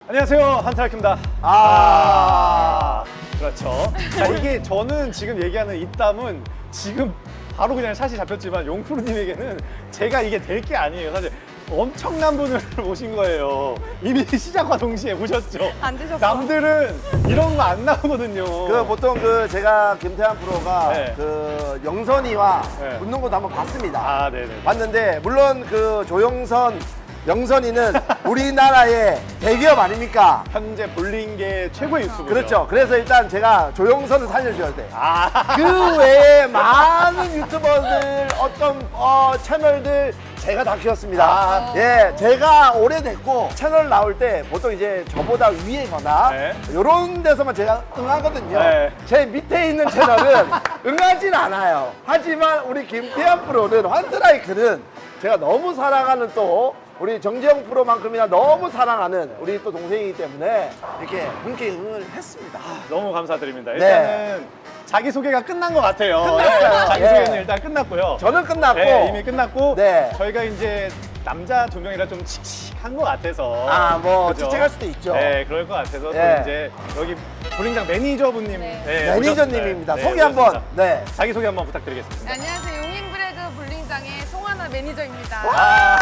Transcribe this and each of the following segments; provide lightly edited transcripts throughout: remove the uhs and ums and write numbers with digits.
안녕하세요, 한타라큐입니다. 그렇죠. 자, 이게 저는 지금 얘기하는 이 땀은 지금 바로 그냥 샷이 잡혔지만 용프로님에게는 제가 이게 될 게 아니에요. 사실 엄청난 분을 모신 거예요. 이미 시작과 동시에 오셨죠. 안 되셨어. 남들은 이런 거 안 나오거든요. 그 보통 그 제가 김태환 프로가 네. 그 영선이와 네. 붙는 것도 한번 봤습니다. 아, 네네. 봤는데 물론 그 조영선, 영선이는 우리나라의 대기업 아닙니까? 현재 볼링계 최고의 유튜브죠. 그렇죠. 그래서 일단 제가 조영선을 살려줘야 돼. 아, 그 외에 많은 유튜버들 어떤 채널들 제가 다 키웠습니다. 예, 제가 오래됐고 채널 나올 때 보통 이제 저보다 위에거나 네. 이런 데서만 제가 응하거든요. 네. 제 밑에 있는 채널은 응하진 않아요. 하지만 우리 김태환 프로는 환트라이크는 제가 너무 사랑하는 또 우리 정재영 프로만큼이나 너무 사랑하는 우리 또 동생이기 때문에 이렇게 함께 응을 했습니다. 너무 감사드립니다. 네. 일단은 자기소개가 끝난 것 같아요. 끝났어요. 자기소개는 예. 일단 끝났고요. 저는 끝났고 네, 이미 끝났고 네. 저희가 이제 남자 두 명이라 좀 칙칙한 것 같아서 뭐 그죠? 칙칙할 수도 있죠. 네, 그럴 것 같아서 네. 또 이제 여기 볼링장 매니저분님 네. 매니저님입니다. 오셨습니다. 소개 한번. 오셨습니다. 네. 자기소개 한번 부탁드리겠습니다. 네, 안녕하세요. 용인브레드 볼링장의 송하나 매니저입니다. 아,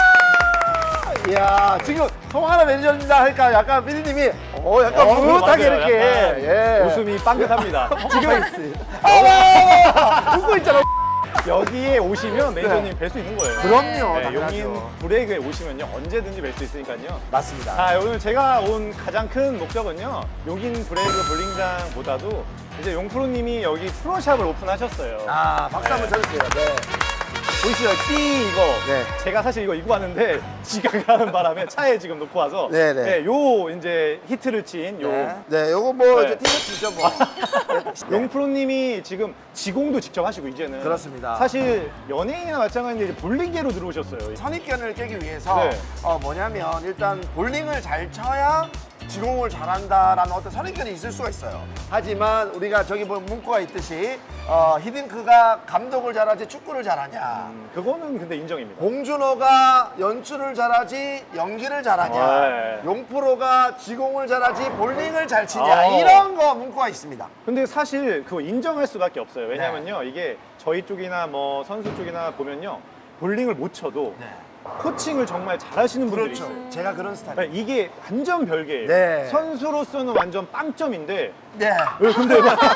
이야, 지금 송하나 매니저입니다 하니까 약간 피디님이 약간 무릇하게 맞아요. 이렇게 약간 예. 웃음이 빵긋합니다. 지금 웃고 있잖아. 여기에 오시면 매니저님 뵐 수 있는 거예요. 그럼요. 네, 당연하죠. 용인 브레이크에 오시면요 언제든지 뵐 수 있으니까요. 맞습니다. 자, 오늘 제가 온 가장 큰 목적은요 용인 브레이크 볼링장보다도 이제 용프로님이 여기 프로샵을 오픈하셨어요. 박수 한번 쳐주세요. 네. 보이시죠? 띠 이거. 네. 제가 사실 이거 입고 왔는데 지각하는 바람에 차에 지금 놓고 와서 네네. 요 이제 히트를 친 요 네, 요거 뭐 네. 이제 티셔츠죠 뭐. 용프로님이 지금 지공도 직접 하시고 이제는 그렇습니다. 사실 연예인이나 마찬가지인데 이제 볼링계로 들어오셨어요. 선입견을 깨기 위해서 네. 뭐냐면 일단 볼링을 잘 쳐야 지공을 잘한다라는 어떤 선입견이 있을 수가 있어요. 하지만 우리가 저기 뭐 문구가 있듯이 히딩크가 감독을 잘하지 축구를 잘하냐. 그거는 근데 인정입니다. 봉준호가 연출을 잘하지 연기를 잘하냐. 네. 용프로가 지공을 잘하지 볼링을 잘 치냐. 어. 이런 거 문구가 있습니다. 근데 사실 그거 인정할 수밖에 없어요. 왜냐면요 이게 저희 쪽이나 뭐 선수 쪽이나 보면요 볼링을 못 쳐도 코칭을 정말 잘하시는 분들이 그렇죠. 있어요. 제가 그런 스타일. 이게 완전 별개예요. 네. 선수로서는 완전 빵점인데 네. 왜 근데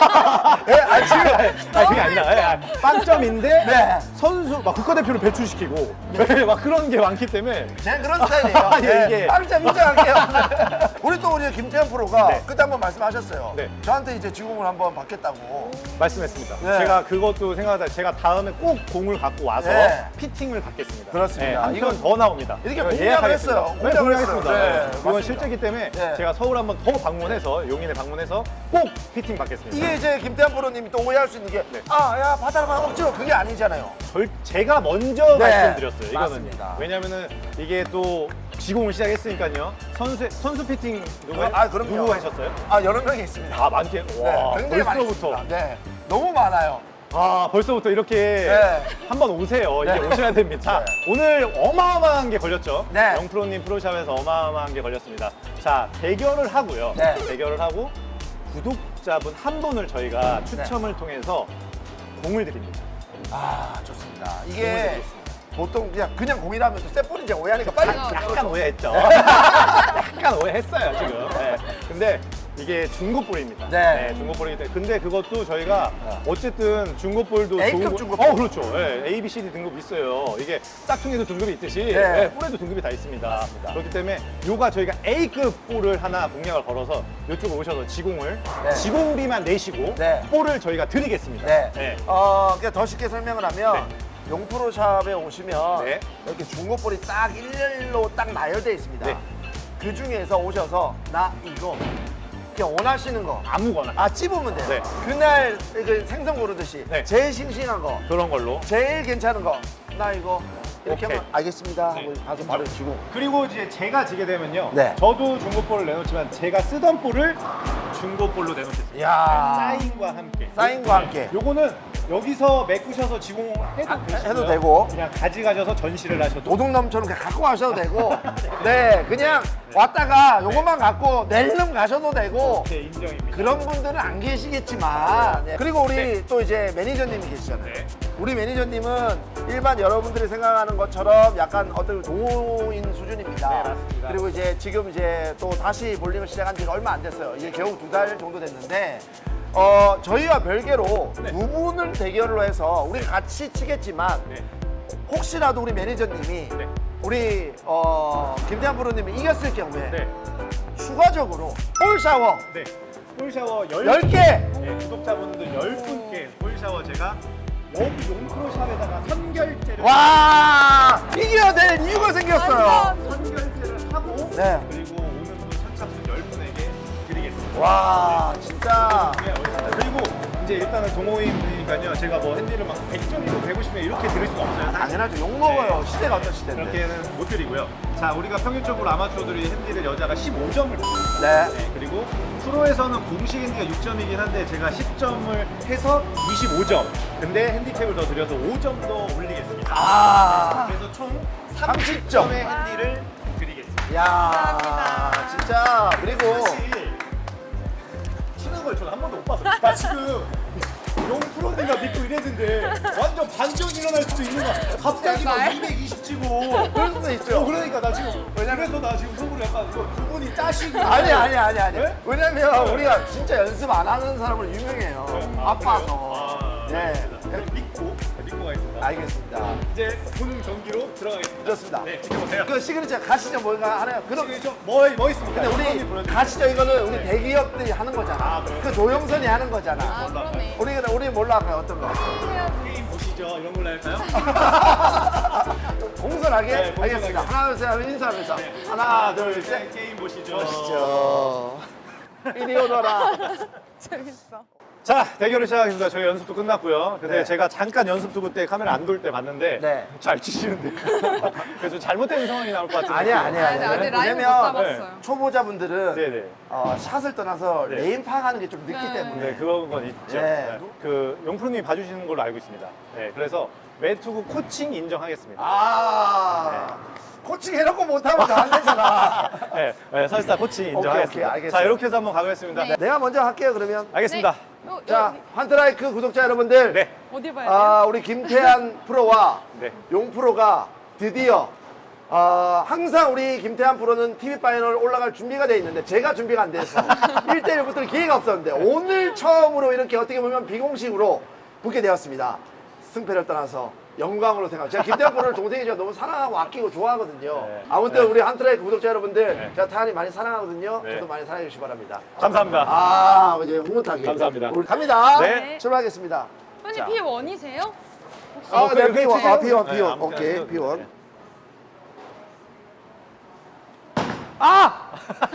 그게 아니라 빵점인데 네. 선수 막 국가대표를 배출시키고 막 그런 게 많기 때문에 제가 그런 스타일이에요. 예, 이게. 빵점 인정할게요. 우리 또 우리 김태현 프로가 네. 그때 한번 말씀하셨어요. 네. 저한테 이제 지공을 한번 받겠다고. 말씀했습니다. 네. 제가 그것도 생각하다 제가 다음에 꼭 공을 갖고 와서 네. 피팅을 받겠습니다. 그렇습니다. 한 이건 편 더 나옵니다. 이렇게 이거 공략을 예약하겠습니다. 했어요. 네, 공략을 공략했습니다. 했어요. 네, 네. 이건 맞습니다. 실제이기 때문에 네. 제가 서울 한번 더 방문해서 용인에 방문해서 꼭 피팅 받겠습니다. 이게 이제 김태현 프로님이 또 오해할 수 있는 게 네. 야 받아라 억지로 그게 아니잖아요. 제가 먼저 네, 말씀드렸어요. 이거는 맞습니다. 왜냐면은 이게 또 지공을 시작했으니까요. 선수 피팅 그럼요. 누구 하셨어요? 여러 명이 있습니다. 아 많게. 와 굉장히 많이 벌써부터. 있습니다. 네, 너무 많아요. 아 벌써부터 이렇게 네. 한번 오세요. 이제 네. 오셔야 됩니다. 자, 오늘 어마어마한 게 걸렸죠. 네. 영프로님 프로샵에서 어마어마한 게 걸렸습니다. 자 대결을 하고요. 네. 대결을 하고 구독자분 한 분을 저희가 추첨을 통해서 공을 드립니다. 좋습니다. 공을 이게 드리겠습니다. 보통 그냥 공이라면 또 셋볼인지 오해하니까 빨리 약간 오해했죠. 약간 오해했어요 지금. 네. 근데 이게 중고볼입니다. 네. 중고볼이기 때문에. 근데 그것도 저희가 어쨌든 중고볼도 A급 좋은 중고볼. 그렇죠. 네. A, B, C, D 등급 있어요. 이게 짝퉁에도 등급이 있듯이 네. 네, 볼에도 등급이 다 있습니다. 맞습니다. 그렇기 때문에 요가 저희가 A급 볼을 하나 공략을 걸어서 이쪽으로 오셔서 지공을 네. 지공비만 내시고 네. 볼을 저희가 드리겠습니다. 네. 네. 그러니까 더 쉽게 설명을 하면 용프로샵에 오시면 네. 이렇게 중고볼이 딱 일렬로 딱 나열되어 있습니다. 네. 그 중에서 오셔서 나 이거 그냥 원하시는 거 아무거나 찝으면 돼요. 네. 그날 그 생선 고르듯이 네. 제일 싱싱한 거, 그런 걸로. 제일 괜찮은 거, 나 이거 이렇게 오케이. 하면 알겠습니다 하고 네. 가서 바로 주고. 그리고 이제 제가 지게 되면요. 네. 저도 중고볼을 내놓지만 제가 쓰던 볼을 중고볼로 내놓겠습니다. 이야. 사인과 함께. 사인과 함께. 요거는 여기서 메꾸셔서 지공해도 되시고요. 해도 되고. 그냥 가져가셔서 전시를 하셔도 도둑놈처럼 그냥 갖고 가셔도 되고. 네, 그냥 왔다가 요것만 갖고 낼름 가셔도 되고. 네, 인정입니다. 그런 분들은 안 계시겠지만. 네. 그리고 우리 또 이제 매니저님이 계시잖아요. 네. 우리 매니저님은 일반 여러분들이 생각하는 것처럼 약간 어떤 동호인 수준입니다. 네, 맞습니다. 그리고 이제 지금 이제 또 다시 볼링을 시작한 지가 얼마 안 됐어요. 이제 겨우 2달 정도 됐는데 저희와 별개로 네. 두 분을 대결로 해서 우리 같이 치겠지만 네. 혹시라도 우리 매니저님이 네. 우리 김태환 프로님이 이겼을 경우에 네. 추가적으로 볼 샤워 네. 볼 샤워 10개 네, 구독자분들 10분께 볼 샤워 제가 여기 용프로샵에다가 선결제를 와 이겨야 될 이유가 생겼어요. 완전. 선결제를 하고 네. 그리고 오는 분 선착순 10분에게 드리겠습니다. 와 진짜 네, 그리고 이제 일단은 동호인이니까요. 제가 뭐 핸디를 막 100점이고 150점 이렇게 드릴 수가 없어요. 사실. 당연하죠. 욕 먹어요. 네. 시대가 어떤 시대인데. 그렇게는 못 드리고요. 자, 우리가 평균적으로 아마추어들이 핸디를 여자가 15점을 받습니다. 네. 네, 그리고 프로에서는 공식 핸디가 6점이긴 한데 제가 10점을 해서 25점. 근데 핸디캡을 더 드려서 5점 더 올리겠습니다. 아. 그래서 총 30점. 30점의 핸디를 드리겠습니다. 야 감사합니다. 진짜 그리고 사실 치는 걸 저는 한 번도 못 봤어요. 나 지금 용 프로님가 믿고 이랬는데 완전 반전 일어날 수도 있는 거야. 갑자기 막 제발. 220 치고. 그럴 수도 있죠. 그러니까 나 지금 그래서 나 지금 속으로 약간 이거 두 분이 짜시고. 아니. 네? 왜냐면 우리가 진짜 연습 안 하는 사람으로 유명해요. 아파서. 아, 네. 믿고 가겠습니다. 알겠습니다. 이제 본 경기로 들어가겠습니다. 좋습니다. 네, 지켜보세요. 그 시그니처 가시죠 뭔가 하나요? 그럼 뭐 있습니까? 근데 형님 우리 보여드릴게요. 가시죠 이거는 우리 네. 대기업들이 하는 거잖아. 아, 그래요? 그 조영선이 하는 거잖아. 아, 그러네. 우리 뭘로 할까요? 어떤 거? 게임 보시죠. 이런 걸로 할까요? 공손하게? 네, 공손하게. 알겠습니다. 하나 둘 셋 하면 인사하면서 네. 하나 둘 셋. 게임 보시죠. 보시죠. 이리 오너라. 재밌어. 자, 대결을 시작하겠습니다. 저희 연습도 끝났고요. 근데 네. 제가 잠깐 연습 두고 때 카메라 안 돌 때 봤는데 네. 잘 치시는데 그래서 잘못된 상황이 나올 것 같은데. 아니야. 아직 라인을 못 왜냐면 잡았어요. 초보자분들은 네네. 샷을 떠나서 네. 레인 파악하는 게 좀 늦기 네. 때문에. 네, 그런 건 있죠. 네. 네. 그 용프로님이 봐주시는 걸로 알고 있습니다. 네, 그래서 매투구 코칭 인정하겠습니다. 아. 코칭 해놓고 못하면 다 안 되잖아. 네, 네, 설사 코칭 인정하겠습니다. 오케이, 알겠어요. 자, 이렇게 해서 한번 가보겠습니다. 네. 내가 먼저 할게요 그러면. 알겠습니다. 자, 환트라이크 구독자 여러분들. 네. 어디 봐야 돼요? 우리 김태한 프로와 네. 용 프로가 드디어 항상 우리 김태한 프로는 TV 파이널 올라갈 준비가 돼 있는데 제가 준비가 안 돼서 1대1 붙을 기회가 없었는데 오늘 처음으로 이렇게 어떻게 보면 비공식으로 붙게 되었습니다. 승패를 떠나서 영광으로 생각합니다. 제가 김태한 프로를 동생이 제가 너무 사랑하고 아끼고 좋아하거든요. 네. 아무튼 네. 우리 환트라이크 구독자 여러분들 네. 제가 태한이 많이 사랑하거든요. 네. 저도 많이 사랑해 주시기 바랍니다. 감사합니다. 이제 흐뭇하게. 감사합니다. 우리 갑니다. 네. 출발하겠습니다. 손님 자. P1이세요? 네, 그래, P1. 치세요? P1, 네, P1. 아무튼 오케이, 하셔도 돼요. P1. 네. 아!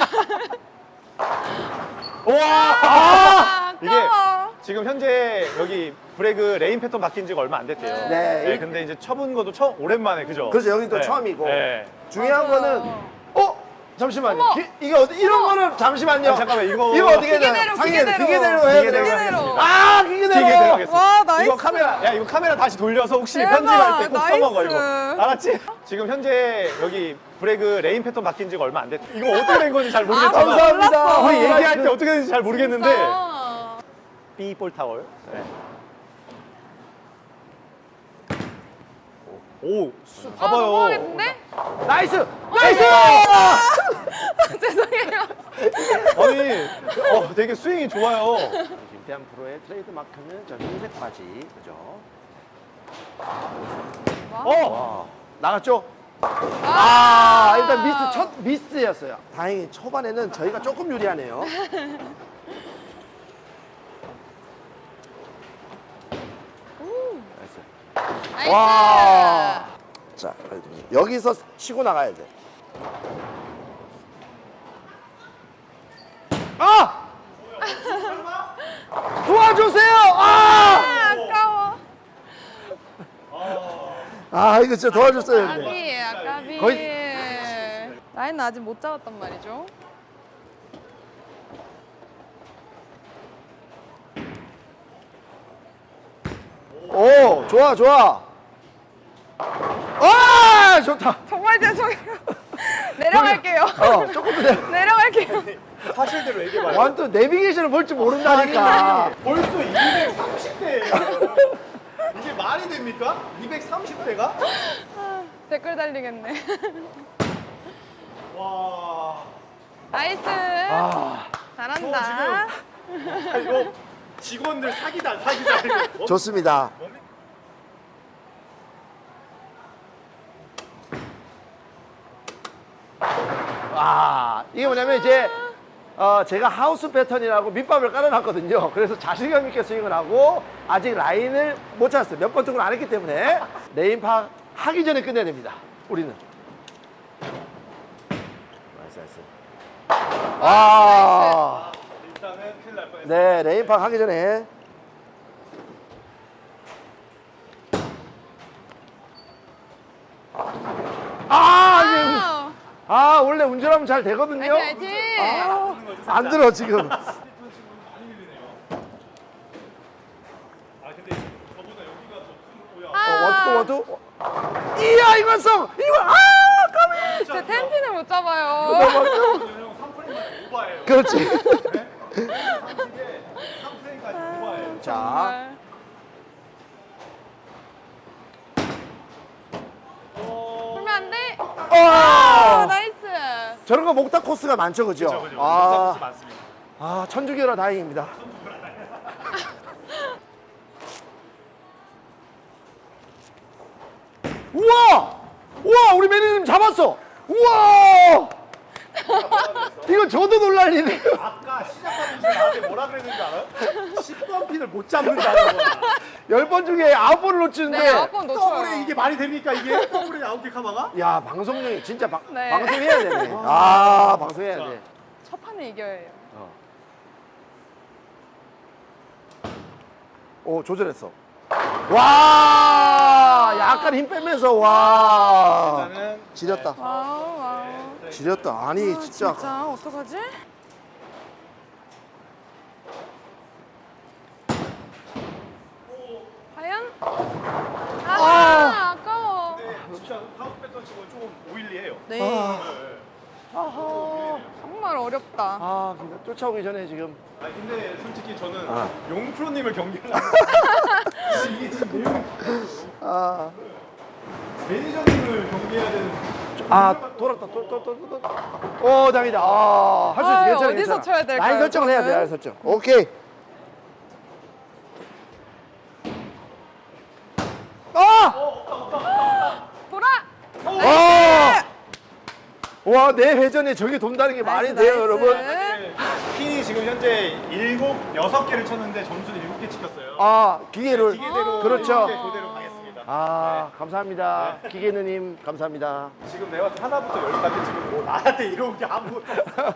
아, 이게 아까워. 지금 현재 여기 브레그 레인 패턴 바뀐 지가 얼마 안 됐대요. 네. 네, 근데 이제 쳐본 것도 오랜만에 그죠? 그렇죠. 여긴 또 네. 처음이고. 네. 중요한 맞아요. 거는, 잠시만요. 어머! 이게 이런 거는 잠시만요. 아니, 잠깐만, 이거 어떻게 해야 기계대로, 기계대로. 기계대로 해야 기계대로 돼요. 하겠습니다. 아, 기계대로. 기계대로 하겠습니다. 와, 나이스. 이거 카메라 다시 돌려서 혹시 대박, 편집할 때 꼭 써먹어 이거. 나이스. 알았지? 지금 현재 여기 브레그 레인 패턴 바뀐 지가 얼마 안 됐대. 이거 어떻게 된 건지 잘 모르겠지만 감사합니다. 몰랐어. 우리 얘기할 때 어떻게 되는지 잘 모르겠는데 아, B 볼 타월. 네. 오, 봐봐요. 넘어가겠는데? 나이스! 나이스! 죄송해요. 아니, 되게 스윙이 좋아요. 김태한 프로의 트레이드 마크는 저 흰색 바지. 그죠? 어, 나갔죠? 아, 일단 첫 미스였어요. 다행히 초반에는 저희가 조금 유리하네요. 나이스. 나이스. 와. 자, 여기서 치고 나가야 돼. 아! 도와주세요! 아! 아까워. 이거 진짜 도와줬어야 돼. 아까비, 아까비. 거의- 라인은 아직 못 잡았단 말이죠. 좋아, 좋아. 아, 좋다. 정말 죄송해요. 내려갈게요. 조금 더 내려. 내려갈게요. 사실대로 얘기해봐요. 완전 내비게이션을 볼 줄 모른다니까. 벌써 230대예요. 이게 말이 됩니까? 230대가? 댓글 달리겠네. 와. 나이스. 아, 잘한다. 아, 이거 직원들 사기다. 이거. 좋습니다. 아, 이게 뭐냐면 이제 제가 하우스 패턴이라고 밑밥을 깔아놨거든요. 그래서 자신감 있게 스윙을 하고 아직 라인을 못 찾았어요. 몇 번 등을 안 했기 때문에 레인 파 하기 전에 끝내야 됩니다. 우리는. 나이스, 나이스. 아, 일단은 큰일 날 뻔했어요. 네, 레인 파 하기 전에. 아, 이게 와우. 아, 원래 운전하면 잘 되거든요. 화이팅, 화이팅. 안 들어, 지금. 많이 밀리네요. 아 근데 저보다 여기가 더 큰 거야. 아, 원투. 이야, 이관성! 이거, 아, 까비! 제 텐틴을 못 잡아요. 형 3프레임까지 오버예요. 그렇지. 3프레임까지 오버예요. 자, 정말. 풀면 안 돼. 아, 나이스. 저런 거 목탁 코스가 많죠, 그죠? 그죠. 아, 많습니다. 아, 천주교라 다행입니다. 우와! 우와, 우리 매니저님 잡았어! 우와! 이거 저도 놀랄 일이에요. 아까 시작하면서 나한테 뭐라 그랬는지 알아요? 10번 핀을 못 잡는다는 거야. 10번 중에 9번을 놓치는데. 네, 9번 놓쳐요. 더블에 이게 말이 됩니까 이게? 더블에 9개 카마가? 야, 방송용이 진짜 네. 방송해야 되네. 아, 방송해야 돼. 첫 판에 이겨야 해요. 오, 조절했어. 와, 약간 힘 빼면서, 와. 일단은 지렸다. 와우, 와우. 지렸다. 아니, 아, 진짜. 어떡하지? 과연? 아, 아까워. 근데 진짜 하우스 패턴 치고는 조금 오일리해요. 네. 아, 어허, 정말 어렵다. 아, 그러니까 쫓아오기 전에 지금. 아 근데 솔직히 저는 아. 용프로님을 경기하려고 이게 지금 내용이 아, 매니저님을 경기해야 되는 아, 돌았다. 오, 다행이다. 아, 할 수 있어. 아유, 괜찮아. 어디서 괜찮아. 쳐야 될까요, 라인 설정을 해야 돼, 저는? 라인 설정. 오케이. 아! 돌아! 와! 와, 내 회전에 저게 돈다는 게 말이 나이스, 돼요, 나이스. 여러분? 핀이 지금 현재 6개를 쳤는데 점수는 7개 찍혔어요. 아, 기계를. 기계대로 그렇죠. 이렇게 그대로 가겠습니다. 아, 감사합니다. 기계누님, 감사합니다. 지금 내가 봤을 때 하나부터 열까지 지금 뭐 나한테 이런 게 아무것도 없어.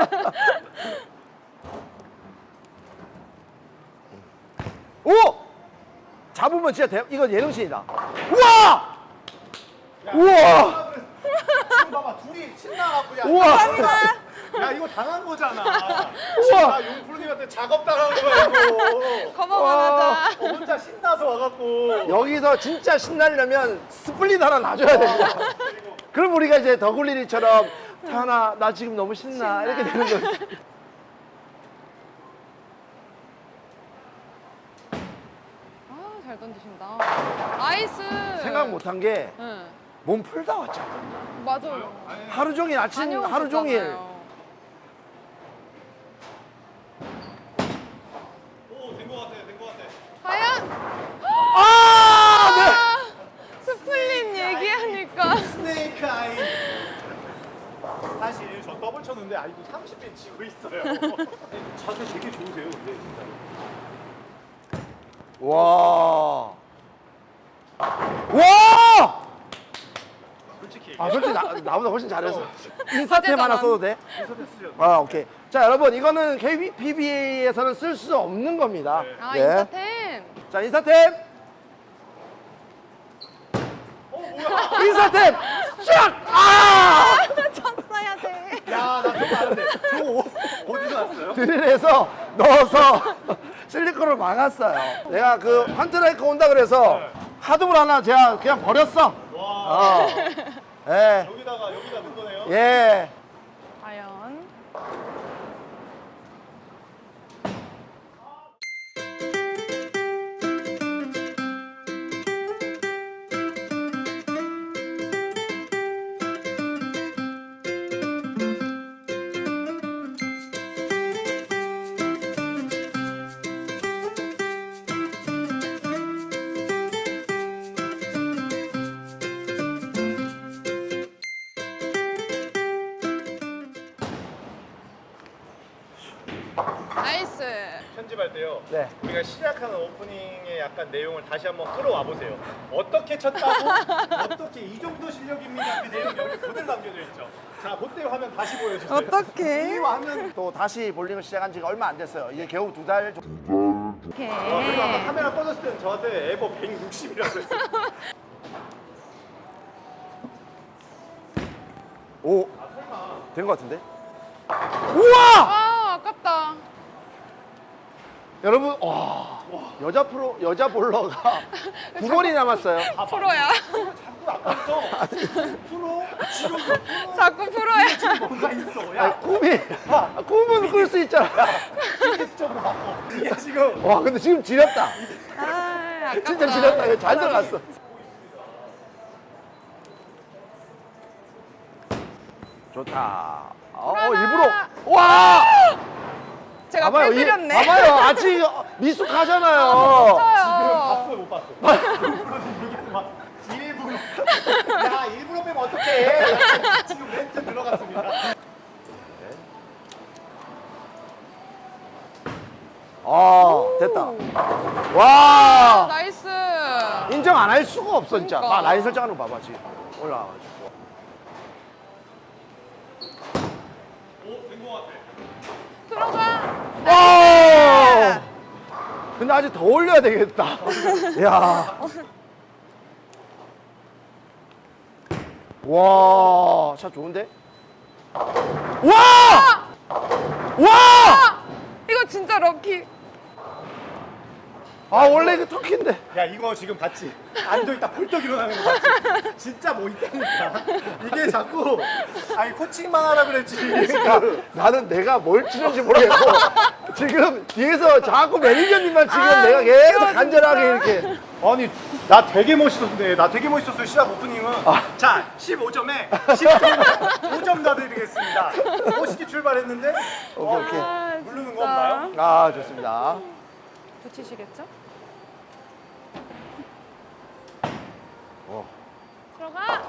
오! 잡으면 진짜 이건 예능신이다. 우와! 우와! 지금 봐봐 둘이 신나갖고 야, 우와! 야 이거 당한 거잖아. 우와! 나 용프로님한테 작업 당한 거야 이거. 커버만 하자. 혼자 신나서 와갖고. 여기서 진짜 신나려면 스플릿 하나 놔줘야 됩니다. 그럼 우리가 이제 더글리리처럼 태연아, 나 지금 너무 신나. 이렇게 되는 거지. 아, 잘 던지신다. 나이스. 생각 못한 게 몸 응. 풀다 왔잖아. 맞아요. 하루 종일 아침 하루 종일. 오된 거 같아 된 거 같아. 과연? 아! 네. 아, 스플릿 얘기하니까. 스네이크 아이. 사실 저 더블 쳤는데 아직도 30배 치고 있어요. 자세 되게 좋으세요 근데 진짜로. 와. 와! 솔직히 아, 솔직히 나보다 훨씬 잘했어. 인사템 하나 써도 돼? 인터넷 쓰죠. 아, 오케이. 자, 여러분, 이거는 KPBA에서는 쓸 수 없는 겁니다. 네. 아, 예. 인사템. 자, 인사템. 인사템. 쫙! 아! 쳤어야 돼. 야나 저거 아는데 저거 어디서 났어요? 드릴에서 넣어서 실리콘을 막았어요. 내가 그 환트라이크 온다 그래서 하드볼 하나 제가 그냥 버렸어. 와. 예. 여기다 넣은 거네요. 예. 과연. 나이스. 편집할 때요. 네. 우리가 시작하는 오프닝의 약간 내용을 다시 한번 끌어와 보세요. 어떻게 쳤다고? 어떻게 이 정도 실력입니다. 그 내용이 여기 그대로 담겨져 있죠. 자, 그때 화면 다시 보여주세요. 어떡해. 이 화면 또 다시 볼링을 시작한 지가 얼마 안 됐어요. 이게 겨우 2달 정도. 오케이. 그리고 아까 카메라 꺼졌을 때는 저한테 에버 160이라고 했어요. 오. 된 것 같은데? 우와! 아, 아깝다. 여러분, 와. 여자 볼러가 9번이 남았어요. 프로야. 자꾸 아까부터 프로, 지금 프로 자꾸 프로야. 뭔가 있어. 아, 야, 꿈은 끌 수 있잖아. 이게 좀 바꿔. 이게 지금 와, 근데 지금 지렸다. 아, 아깝다. 진짜 지렸다. 이거 잘 들어갔어. 좋다. 일부러. 와! 제가 봐봐요. 빼드렸네. 봐봐요. 아직 미숙하잖아요. 지금 맞아요. 봤어요, 못 봤어? 일부러 지금 얘기하는 거 일부러. 야, 일부러 빼면 어떡해. 지금 멘트 들어갔습니다. 됐다. 와! 나이스. 인정 안 할 수가 없어, 진짜. 그러니까. 라인 설정하는 거 봐봐, 지금. 올라와가지고. 오, 된 거 같아. 들어가. 와! 근데 아직 더 올려야 되겠다. 야. 와, 샷 좋은데? 와! 와! 아! 이거 진짜 럭키. 아, 원래 이거 터키인데. 야, 이거 지금 봤지? 앉아있다 벌떡 일어나는 거 봤지? 진짜 뭐 있다니까. 이게 자꾸, 아니, 코칭만 하라 그랬지. 그러니까 나는 내가 뭘 치는지 모르겠고 지금 뒤에서 자꾸 매니저님만 지금 내가 계속 이거 간절하게 진짜. 이렇게 아니, 나 되게 멋있었는데, 나 되게 멋있었어요, 시작 오프닝은. 자, 15점에 10점, 5점 더 드리겠습니다. 멋있게 출발했는데, 오케이. 아, 부르는 진짜. 건가요? 아, 좋습니다. 붙이시겠죠? 어. 들어가.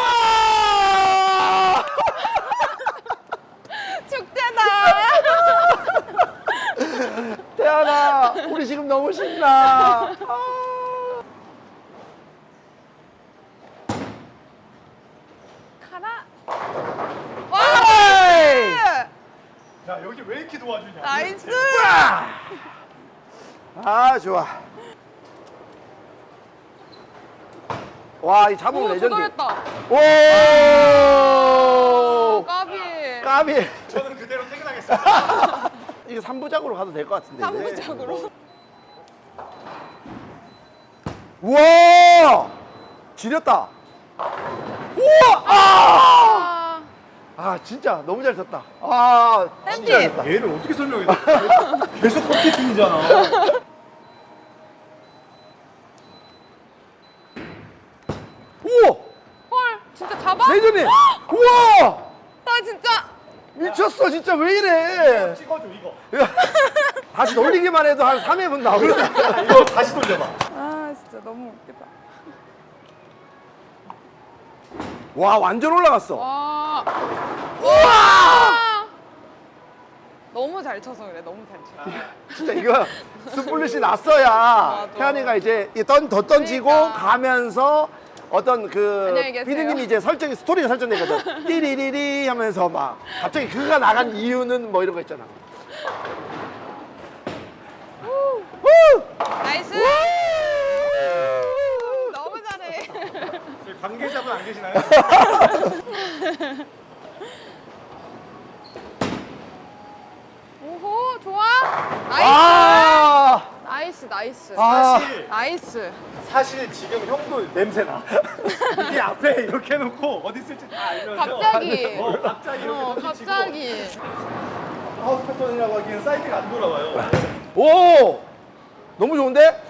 와! 축제다. 태연아, 우리 지금 너무 신나. 가라. 에이! 야, 여기 왜 이렇게 도와주냐? 나이스. 아, 좋아. 와, 이 잡으면 오, 레전드. 조절했다. 오! 까비. 까비. 저는 그대로 퇴근하겠습니다. 이거 3부작으로 가도 될 것 같은데. 이제. 3부작으로. 우와! 지렸다. 우와! 아! 아, 진짜 너무 잘 쳤다. 아, 진짜 잘 햄릿. 쳤다. 얘를 어떻게 설명해? 계속 꺾이팅이잖아. 우와! 헐, 진짜 잡아? 레이저님! 우와! 나 진짜. 미쳤어, 진짜 왜 이래? 찍어줘, 이거. 다시 돌리기만 해도 한 3회분 나오겠다. 이거 다시 돌려봐. 아, 진짜 너무 웃기다. 와, 완전 올라갔어. 와. 우와! 너무 잘 쳐서 그래. 너무 잘 쳐. 진짜 이거 스플릿이 났어야 맞아. 태연이가 이제 더 던지고 그러니까. 가면서 어떤 그 안녕히 계세요. 피디님이 이제 스토리가 설정되거든. 띠리리리 하면서 막 갑자기 그가 나간 이유는 뭐 이런 거 있잖아. 나이스. 너무 잘해. 저희 관계자분 안 계시나요? 오호, 좋아. 나이스. 아! 나이스, 나이스. 아. 사실 나이스. 사실 지금 형도 냄새나. 이게 앞에 이렇게 해놓고 어디 있을지 다 알면서. 갑자기. 갑자기 이렇게 던지치고. 갑자기. 하우스 패턴이라고 하기엔 사이트가 안 돌아와요. 오! 너무 좋은데?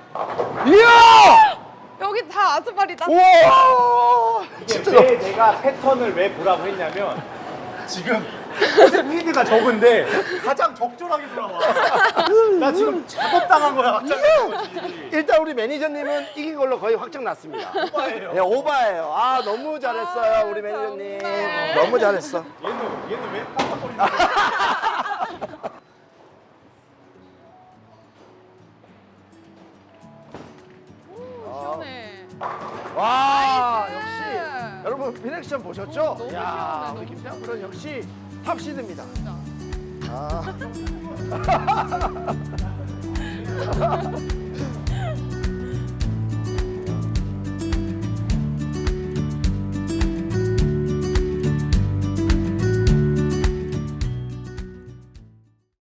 이야! 여기 다 아스팔이다. 우와! 이게 왜 내가 패턴을 왜 보라고 했냐면 지금 스피드가 적은데 가장 적절하게 돌아와. 나 지금 작업당한 거야 갑자기. 일단 우리 매니저님은 이긴 걸로 거의 확정 났습니다. 오빠예요. 네, 오바예요. 아, 너무 잘했어요, 우리 매니저님. 정말. 너무 잘했어. 얘는 왜 깜빡거리는 거야? 시원해. 와, 나이스. 역시. 여러분, 피넥션 보셨죠? 너무 야, 시원해, 우리 너무 김태형 프로는 역시 탑시드입니다. 진짜. 아.